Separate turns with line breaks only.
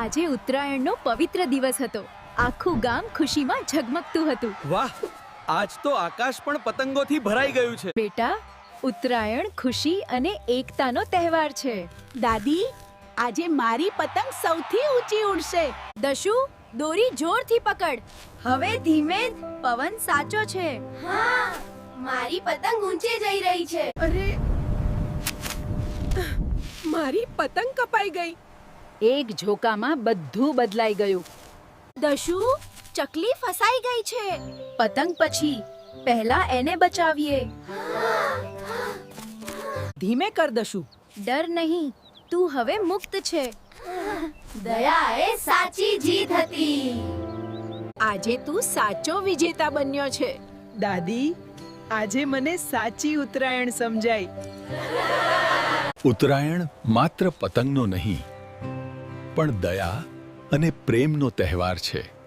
આજે ઉત્તરાયણનો પવિત્ર દિવસ હતો. આખું ગામ ખુશીમાં ઝગમગતું હતું.
વાહ, આજ તો આકાશ પણ પતંગોથી ભરાઈ ગયું છે.
બેટા, ઉત્તરાયણ ખુશી અને એકતાનો તહેવાર છે.
દાદી, આજે મારી પતંગ સૌથી ઊંચી ઉડશે.
દશુ, દોરી જોરથી પકડ. હવે ધીમે, પવન સાચો છે.
હા, મારી પતંગ ઊંચે જઈ રહી છે.
અરે, મારી પતંગ કપાઈ ગઈ.
એક ઝોકામાં બધું બદલાઈ ગયું.
દશુ, ચકલી ફસાઈ ગઈ છે.
પતંગ પછી પહેલા એને બચાવીએ.
ધીમે કર દશુ.
ડર નહીં, તું હવે મુક્ત છે.
દયા એ સાચી જીત હતી.
આજે તું સાચો વિજેતા બન્યો છે. દાદી, આજે મને સાચી ઉત્તરાયણ સમજાઈ.
ઉત્તરાયણ માત્ર પતંગનો નહીં, પણ દયા અને પ્રેમનો તહેવાર છે.